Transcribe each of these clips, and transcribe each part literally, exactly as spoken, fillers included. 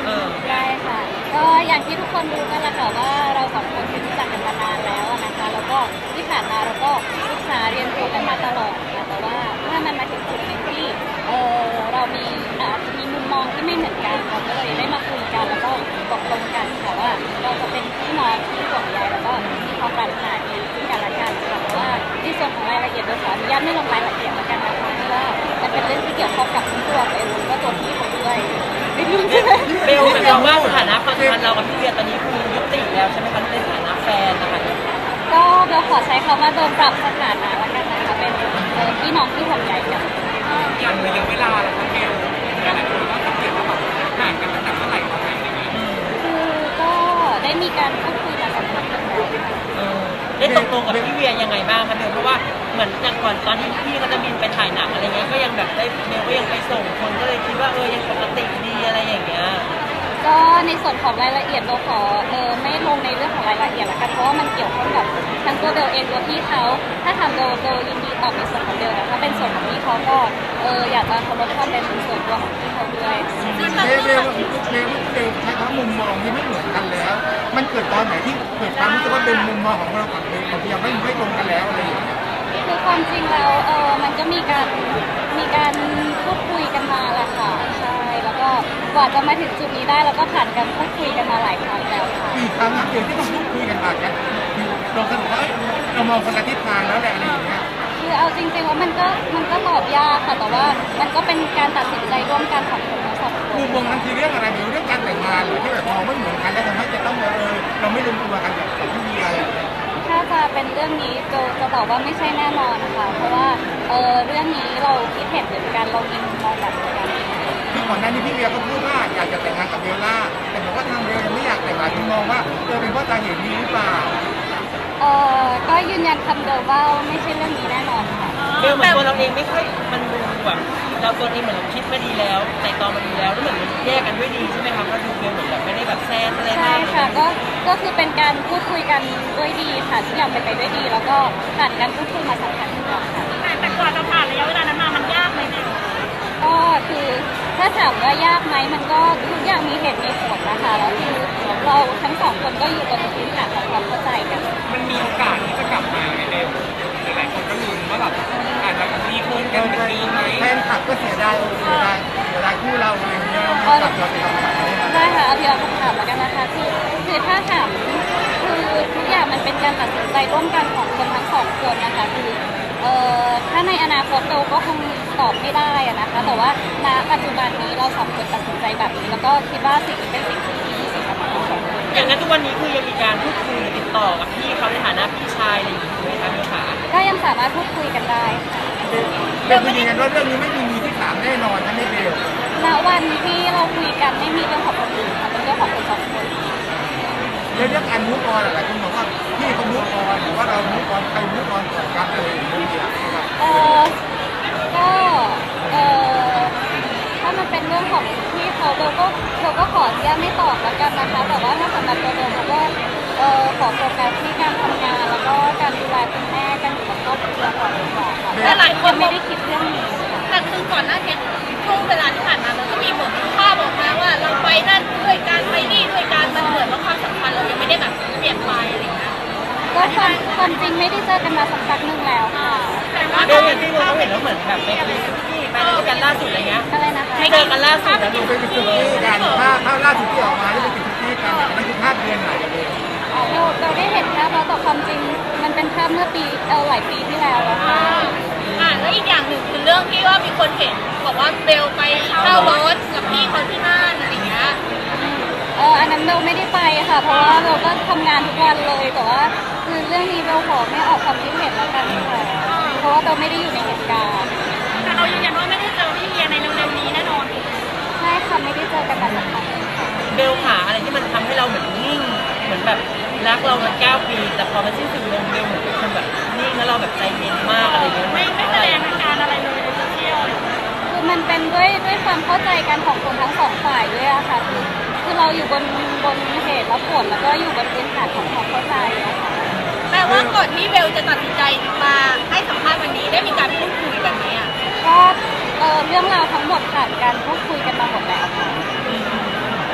เออได้ค่ะก็อย่างที่ทุกคนรู้กันแหละค่ะว่าเราสองคนรู้จักกันมานานแล้วนะคะแล้วก็ที่ผ่านมาเราก็ศึกษาเรียนรู้กันมาตลอดค่ะแต่ว่าเมื่อมันมาถึงจุดหนึ่งที่เออเรามีอาจจะมีมุมมองที่ไม่เหมือนกันเราก็เลยได้มาคุยกันแล้วก็ตกลงกันค่ะว่าเราจะเป็นพี่น้องที่ห่วงใยแล้วก็มีความปรารถนาดีซึ่งกันและกันค่ะแต่ว่าในส่วนของรายละเอียดโดยขออนุญาตไม่ลงรายละเอียดแล้วกันนะคะเพราะว่ามันเป็นเรื่องที่เกี่ยวข้องกับทั้งตัวเอลแล้วก็ตัวพี่เขาด้วยไม่รู้ใช่ไหมเบลหมายความว่าสถานะความสัมพันธ์เรากับพี่เวียตอนนี้คือยุติแล้วใช่ไหมคะในฐานะแฟนนะคะก็เบลขอใช้คำว่าโดนปรับสถานะละกันนะคะเป็นเอ่อพี่น้องที่ห่วงใยกันอย่างระยะเวลาล่ะครับเบลหลายคนก็สังเกตว่าแบบห่างกันตั้งแต่เมื่อไหร่ตอนไหนอะไรเงี้ยคือก็ได้มีการพูดคุยมาสักพักหนึ่งแล้วค่ะเออได้ตกลงกับพี่เวียยังไงบ้างคะเบลเพราะว่าเหมือนอย่างก่อนตอนที่พี่เขาจะบินไปถ่ายหนังอะไรเงี้ยก็ยังแบบได้เบลก็ยังไปส่งคนก็เลยคิดว่าเออยังปกติดีอะไรอย่างเงี้ยก็ในส่วนของรายละเอียดเราขอเออไม่ลงในเรื่องของรายละเอียดละกันเพราะว่ามันเกี่ยวข้องกับทั้งตัวเบลเองตัวพี่เขาถ้าทำโดยโดยยินดีตอบในส่วนของเบลแต่ถ้าเป็นส่วนของพี่เขาก็เอออยากจะเคารพความเป็นส่วนตัวของพี่เขาด้วยเบลเบลเบลเบลใช้คำว่ามุมมองที่ไม่เหมือนกันแล้วมันเกิดตอนไหนที่เกิดความรู้สึกว่าเป็นมุมมองของเรากับเบลกับเบลไม่ไม่ตรงกันแล้วอะไรอย่างเงี้ยคือความจริงแล้วเออมันก็มีการมีการพูดคุยกันมาแหละค่ะใช่แล้วก็กว่าจะมาถึงจุดนี้ได้เราก็ผ่านการพูดคุยกันมาหลายครั้งแล้วค่ะกี่ครั้งครับเบลที่ต้องพูดคุยกันมาเนี่ยคือเราสรุปว่าเรามองคนละทิศทางแล้วแหละอะไรอย่างเงี้ยคือเอาจริงๆว่ามันก็มันก็ตอบยากค่ะแต่ว่ามันก็เป็นการตัดสินใจร่วมกันของคนทั้งสองคนมุมมองนั้นคือเรื่องอะไรเบลเรื่องการแต่งงานหรือที่แบบมองไม่เหมือนกันแล้วทำให้จะต้องเออเราไม่ลงตัวกันกับพี่เวียอะไรอย่างเงี้ยถ้าจะเป็นเรื่องนี้โจจะตอบว่าไม่ใช่แน่นอนนะคะเพราะว่าเออเรื่องนี้เราคิดเห็นเหมือนกันเรามีมุมมองแบบเดียวกันคือก่อนหน้านี้พี่เวียก็พูดว่าอยากจะแต่งงานกับเบลล่าแต่บอกว่าทางเบลยังไม่อยากแต่งงานที่มองว่าเออเป็นเพราะสาเหตุนี้หรือเปล่าเออก็ยืนยันคำเดิมว่าไม่ใช่เรื่องนี้แน่นอนค่ะเบลเหมือนตัวเราเองไม่ค่อยมันดูแบบเราตัวเองเหมือนเราคิดมาดีแล้วแต่ตอนมาดีแล้วแล้วเหมือนมันแยกกันด้วยดีใช่ไหมครับเราดูเบลเหมือนแบบไม่ได้แบบแซ่อะไรใช่ค่ะก็ก็คือเป็นการพูดคุยกันด้วยดีค่ะทุกอย่างเป็นไปด้วยดี แล้วก็ผ่านการพูดคุยมาสักพักหนึ่งแล้วค่ะแต่กว่าจะผ่านระยะเวลานั้นมามันยากไหมเนี่ยก็คือถ้าถามว่ายากไหมมันก็ทุกอย่างมีเหตุมีผลนะคะแล้วคือเราทั้งสองคนก็อยู่บนพื้นฐานของความเข้าใจกันมันมีโอกาสที่จะกลับมาไหมเบลหลายคนก็ลุ้นว่าแบบอาจจะมีคนกันเหมือนเดิมไหมแฟนคลับก็เสียดายเสียดายเสียดายคู่เราอะไรอย่างเงี้ยกลับเราไปทำอะไรได้ค่ะเอาพี่เอาคำถามแล้วกันนะคะคือคือถ้าถามคือทุกอย่างมันเป็นการตัดสินใจร่วมกันของคนทั้งสองคนนะคะคือเอ่อถ้าในอนาคตเราก็คงตอบไม่ได้อะนะคะแต่ว่าณปัจจุบันนี้เราสองคนตัดสินใจแบบนี้แล้วก็คิดว่าสิ่งนี้เป็นสิ่งที่ดีที่สุดสำหรับเราสองคนอย่างนั้นทุกวันนี้คือยังมีการพูดคุยติดต่อกับพี่เขาในฐานะพี่ชายอะไรอย่างนี้ไหมคะเบลขาก็ยังสามารถพูดคุยกันได้ค่ะเบลคือยืนยันว่าเรื่องนี้ไม่มีมือที่สามแน่นอนนะไม่เบลณวันที่เราคุยกันไม่มีเรื่องของคนอื่นค่ะเป็นเรื่องของคนสองคนเรื่องเรื่องการมูฟออนอะไรคุณบอกว่าพี่เขามูฟออนหรือว่าเรามูฟออนใครมูฟออนก่อนกันอะไรอย่างเงี้ยเออก็เออถ้ามันเป็นเรื่องของพี่เขาเราก็เราก็ขออนุญาตไม่ตอบแล้วกันนะคะแต่ว่าถ้าสำหรับตัวเราก็เออขอโฟกัสที่การทำงานแล้วก็การดูแลคุณแม่การอยู่กับครอบครัวก่อนดีกว่าค่ะแต่หลายคนไม่ได้คิดเรื่องนี้แต่คือก่อนหน้านี้ช่วงเวลาที่ผ่านมามันก็มีบทภาพออกมาว่าเราไปนั่นด้วยการไปนี่ด้วยการมันเหมือนว่าความสัมพันธ์เรายังไม่ได้แบบเปลี่ยนไปอะไรอย่างเงี้ยก็ความความจริงไม่ได้เจอกันมาสักพักหนึ่งแล้วค่ะเบลอย่างที่เราเห็นแล้วเหมือนแบบไปคุยที่ไปด้วยกันล่าสุดอะไรเงี้ยอะไรนะคะให้เจอกันล่าสุดแล้วดูเป็นสุกี้กันภาพภาพล่าสุดที่ออกมาที่เป็นสุกี้กันนั่นคือภาพเดือนไหนเบลเราเราได้เห็นภาพแล้วแต่ความจริงมันเป็นภาพเมื่อปีเออหลายปีที่แล้วแล้วค่ะอ่าแล้วอีกอย่างหนึ่งคือเรื่องที่ว่ามีคนเห็นบอกว่าเบลไปเช่ารถกับพี่เขาที่นั่นอะไรเงี้ยเอออันนั้นเบลไม่ได้ไปค่ะเพราะว่าเบลก็ทำงานทุกวันเลยแต่ว่าคือเรื่องนี้เบลขอไม่ออกความคิดเห็นแล้วกันค่ะเพราะว่าเบลไม่ได้อยู่ในเหตุการณ์แต่เรายืนยันว่าไม่ได้เจอพี่เวียในเร็วๆนี้แน่นอนใช่ค่ะไม่ได้เจอกันมาสักพักค่ะเบลขาอะไรที่มันทำให้เราเหมือนนิ่งเหมือนแบบรักเรามาเก้าปีแต่พอมันสิ้นสุดลงเบลเหมือนเป็นคนแบบนิ่งแล้วเราแบบใจเย็นมากอะไรเงี้ยไม่ไม่แสดงอาการอะไรเลยในโซเชียลคือมันเป็นด้วยด้วยความเข้าใจกันของคนทั้งสองฝ่ายด้วยอะค่ะคือคือเราอยู่บนบนเหตุและผลแล้วก็อยู่บนพื้นฐานของความเข้าใจอะค่ะแปลว่าก่อนที่เบลจะตัดสินใจมาให้สัมภาษณ์วันนี้ได้มีการพูดคุยกันไหมอ่ะก็เออเรื่องราวทั้งหมดผ่านการพูดคุยกันมาหมดแล้วค่ะ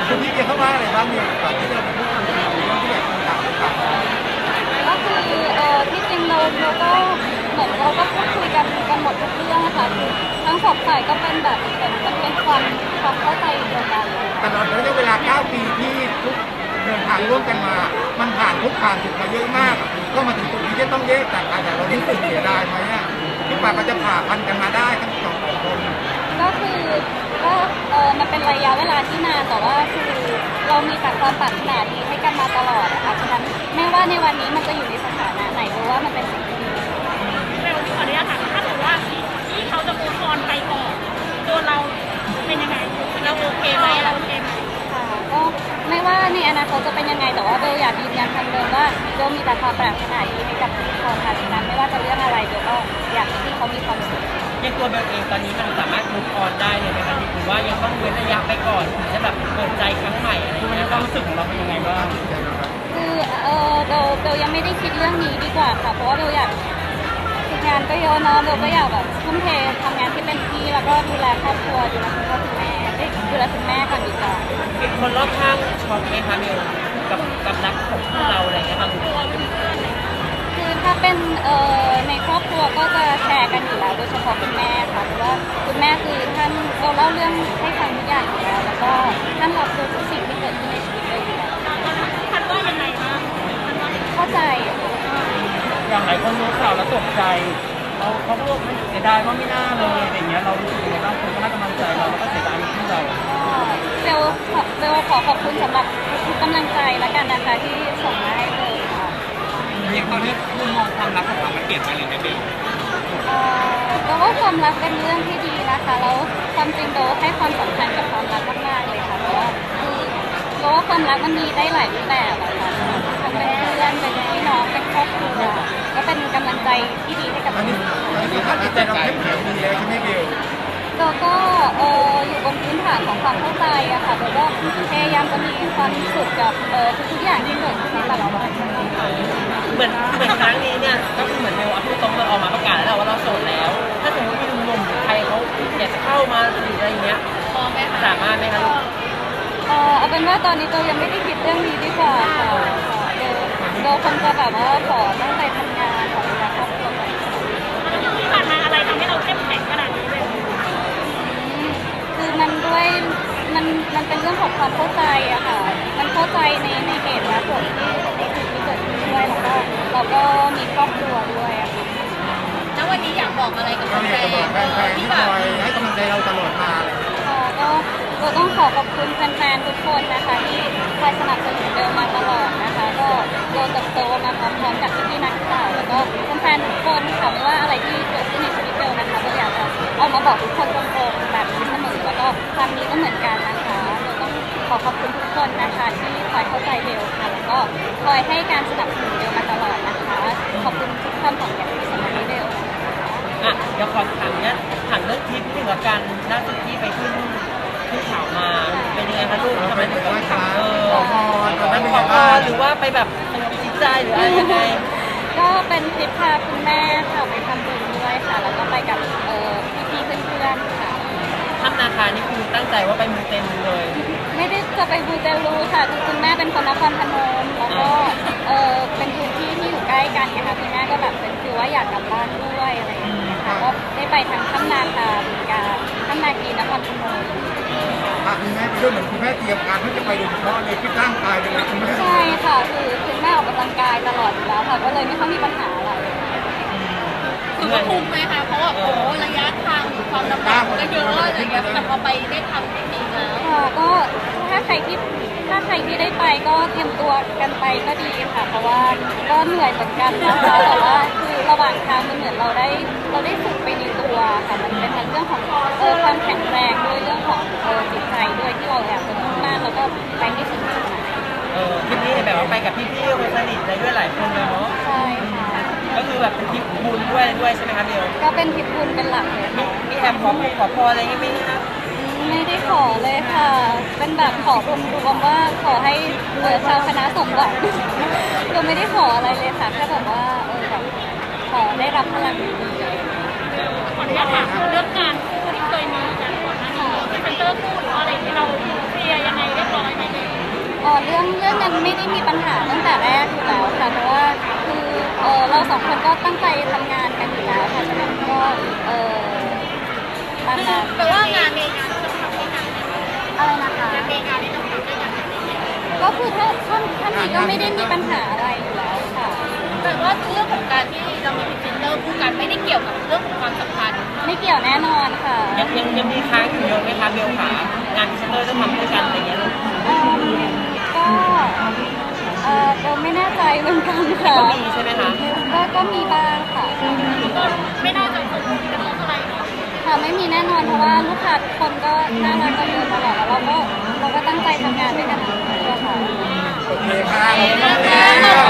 คุณพี่จะเข้ามาอะไรบ้างเนี่ยก่อนที่เราจะพูดคุยกันเรื่องที่แบบต่างๆต่างก็คือเออที่จริงเราเราก็เหมือนเราก็พูดคุยกันกันหมดทุกเรื่องนะคะคือทั้งสองฝ่ายก็เป็นแบบเหมือนมันเป็นความความเข้าใจเดียวกันเลยตลอดระยะเวลาเก้าปีที่ทุกเดินทางร่วมกันมา มันผ่านทุกผ่านจุดมาเยอะมาก ก็มาถึงจุดนี้จะต้องแยกจากกันแต่เรารู้สึกเสียดายไหมอ่ะที่ป่าก็จะผ่าพันกันมาได้ทั้งสองคนก็คือก็เออมันเป็นระยะเวลาที่นานแต่ว่าคือเรามีแต่ความปรารถนาดีให้กันมาตลอดนะคะฉะนั้นไม่ว่าในวันนี้มันจะอยู่ในสถานะไหนเพราะว่ามันเป็นสิ่งที่ดีเร็วขออนุญาตถามถ้าสมมติว่าที่เขาจะมูฟออนไปก่อนตัวเราเป็นยังไงเราโอเคไหมเราโอเคไหมค่ะก็ไม่ว่าในอนาคตจะเป็นยังไงแต่ว่าเบลอยากยืนยันคำเดิมว่าเบลมีแต่ความปรารถนาดีให้กับทุกคนค่ะฉะนั้นไม่ว่าจะเรื่องอะไรเบลก็อยากให้ที่เขามีความสุขยังตัวเบลเองตอนนี้มันสามารถมุกออนได้เลยไหมคะหรือว่ายังต้องเว้นระยะไปก่อนถึงจะแบบเปิดใจครั้งใหม่อะไรอย่างเงี้ยความรู้สึกของเราเป็นยังไงบ้างคือเออเบลเบลยังไม่ได้คิดเรื่องนี้ดีกว่าค่ะเพราะว่าเบลอยากคืองานก็เยอะเนาะเบลก็อยากแบบทุ่มเททำงานที่เป็นที่แล้วก็ดูแลครอบครัวดูแลคุณพ่อคุณแม่เอ้ยดูแลคุณแม่ก่อนดีกว่าคนรอบข้างช็อกไหมคะเบลกับกับรักของพวกเราอะไรอย่างเงี้ยค่ะคือถ้าเป็นเอ่อในครอบครัวก็จะแชร์กันอยู่แล้วโดยเฉพาะคุณแม่ค่ะเพราะว่าคุณแม่คือท่านเราเล่าเรื่องให้ฟังทุกอย่างอยู่แล้วแล้วก็ท่านรับรู้ทุกสิ่งที่เกิดขึ้นในชีวิตเลยอยู่แล้วคันว่ายังไงบ้างเข้าใจอย่างหลายคนรู้ข่าวแล้วตกใจเราเขาพูดเสียดายว่าไม่น่าเลยอะไรเงี้ยเรารู้สึกยังไงบ้างคนก็ให้กำลังใจเราแล้วก็เสียดายที่เราเบลขอเบลขอขอบคุณสำหรับทุกกำลังใจและกันนะคะที่ส่งมาให้เบลค่ะอย่างตอนนี้มุมมองความรักของเรามันเปลี่ยนไปเลยไหมเบลเอ่อเบลว่าความรักเป็นเรื่องที่ดีนะคะแล้วความจริงเบลให้ความสำคัญกับความรักมากๆเลยค่ะเพราะว่าคือเบลว่าความรักมันมีได้หลายรูปแบบอะค่ะทั้งเป็นเพื่อนเป็นพี่น้องเป็นครอบครัวก็เป็นกำลังใจที่ดีให้กับตอนนี้ตอนนี้สภาพจิตใจเราเข้มแข็งดีแล้วใช่ไหมเบลเบลก็เอออยู่บนพื้นฐานของความเข้าใจอะค่ะเบลก็พยายามจะมีความสุขกับเออทุกๆอย่างที่เกิดขึ้นในแต่ละวันเหมือนเหมือนครั้งนี้เนี่ยก็คือเหมือนเบลเอาพูดตรงๆออกมาประกาศแล้วว่าเราโสดแล้ว ถ้าสมมติมีหนุ่มๆหรือใครเขาอยากจะเข้ามาหรืออะไรอย่างเงี้ยพอไหมคะสามารถไหมคะลูกเออเอาเป็นว่าตอนนี้เบลยังไม่ได้คิดเรื่องนี้ดีกว่าค่ะเบลเบลคงจะแบบว่าขอตั้งใจทำงานขอดูแลครอบครัวไปที่ผ่านมาอะไรทำให้เราเข้มแข็งขนาดนี้เลยคือมันด้วยมันมันเป็นเรื่องของความเข้าใจอะค่ะ มันเข้าใจในในเหตุและผลที่ในสิ่งที่เกิดขึ้นด้วยแล้วก็เราก็มีครอบครัวด้วยอะค่ะแล้ววันนี้อยากบอกอะไรกับเราแฟอยากจะบอกนแฟนๆๆที่ที่คแบบอยให้กำลังใจเราตลอดมาเลยค่ะก็เราต้องขอขอบคุณแฟนๆทุกคนนะคะที่คอยสนับสนุนเบลมาตลอดนะคะ ก็โดนเติบโตมาพร้อมๆกับพี่ๆนักข่าวแล้วก็แฟนๆทุกคนค่ะไม่ว่าอะไรที่เกิดขึ้นในชีวิตเบลนะคะเบลอยากจะเอามาบอกทุกคนตรงๆแบบนี้เสมอแล้วก็ครั้งนี้ก็เหมือนกันนะคะเราต้องขอขอบคุณทุกคนนะคะที่คอยเข้าใจเบลค่ะแล้วก็คอยให้การสนับสนุนเบลมาตลอดนะคะขอบคุณทุกคำของอย่างที่สำหรับเบลนะคะอ่ะเดี๋ยวขอถามเนี่ยถามเรื่องทริปที่เหมือนกันล่าสุดที่ไปขึ้นขึ้นเขามาเป็นยังไงคะลูกทำไมถึงต้องทำเออขอพรตอนนั้นเป็นขอไงพบ้างรหรือว่าไปแบบสงบจิตใจหรืออะไรยังไงก็เป็นทริปพาคุณแม่ค่ะไปทำบุญด้วยค่ะ แล้วก็ไปกับเอ่อพี่ๆเพื่อนๆค่ะถ้ำนาคานี่คือตั้งใจว่าไปมูเต็มเลยไม่ได้จะไปบูเตลูค่ะคือคุณแม่เป็นคนนครพนมแล้วก็เออเป็นพื้นที่ที่อยู่ใกล้กันไงคะคุณแม่ก็แบบเป็นคือว่าอยากกลับบ้านด้วยอะไรอย่างเงี้ยค่ะก็ได้ไปทางถ้ำนาคาบึงกาฬถ้ำนาคีนครพนมพาคุณแม่ไปด้วยเหมือนคุณแม่เตรียมการที่จะไปโดยเฉพาะเลยที่ร่างกายเลยคุณแม่ใช่ค่ะคือคุณแม่ออกกำลังกายตลอดอยู่แล้วค่ะก็เลยไม่ค่อยมีปัญหาอะไรคือว่าคุ้มไหมคะเพราะว่าโอ้ระยะทางหรือความลำบากมันก็เยอะอะไรเงี้ยแต่พอไปได้ทำจริงๆแล้วค่ะก็ถ้าใครที่ถ้าใครที่ได้ไปก็เตรียมตัวกันไปก็ดีค่ะ เพราะว่าก็เหนื่อยเหมือนกันนะคะแต่ว่าคือระหว่างทางมันเหมือนเราได้เราได้ฝึกไปในตัวค่ะมันเป็นทั้งเรื่องของเออความแข็งแรงด้วยเรื่องของเออจิตใจด้วยที่เราอยากจะมุ่งมั่นแล้วก็ไปให้ถึงจุดหมายเออทริปนี้แบบว่าไปกับพี่ๆคนสนิทอะไรด้วยหลายคนเลยเนาะใช่ค่ะก็คือแบบเป็นทริปบุญด้วยด้วยใช่ไหมคะเบลก็เป็นทริปบุญเป็นหลักเลยมีค่ะมีแอบขอพรขอพรอะไรอย่างงี้ไหมคะไม่ได้ขอเลยค่ะ เป็นแบบขอรวมๆว่าขอให้เออชาวคณะสมหวัง เราไม่ได้ขออะไรเลยค่ะแค่แบบว่าเออแบบขอได้รับพลังดีๆขออนุญาตถามเรื่องการคู่ที่เคยมีกันก่อนหน้านี้พรีเซนเตอร์คู่หรืออะไรที่เราเคลียร์ยังไงเรียบร้อยไหมรื่องเรื่องนั้นไม่ได้มีปัญหาตั้งแต่แรกอยู่แล้วค่ะเพราะว่าคือเออเราสองคนก็ตั้งใจทำงานกันอยู่แล้วค่ะฉะนั้นก็เออตามนั้นแปลว่างานในงานที่เราทำด้วยกันอะไรนะคะงานในงานที่เราทำด้วยกันก็คือถ้าท่านท่านนี้ก็ไม่ได้มีปัญหาอะไรอยู่แล้วค่ะแต่ว่าเรื่องของการที่เรามีพรีเซนเตอร์คู่กันไม่ได้เกี่ยวกับเรื่องของความสัมพันธ์ไม่เกี่ยวแน่นอนค่ะยังยังยังมีค้างอยู่เยอะไหมคะเบลขางานพรีเซนเตอร์จะทำด้วยกันอะไรเงี้ยลูกเอิ่มก็เออเราไม่แน่ใจเหมือนกันค่ะก็มีใช่ไหมคะก็ก็มีบ้างค่ะก็ไม่น่าจะส่งผลกระทบอะไรเนาะค่ะไม่มีแน่นอนเพราะว่าลูกค้าทุกคนก็น่ารักกันเยอะตลอดแล้วเราก็เราก็ตั้งใจทำงานด้วยกันทั้งคู่อะค่ะโอเคค่ะขอบคุณค่ะ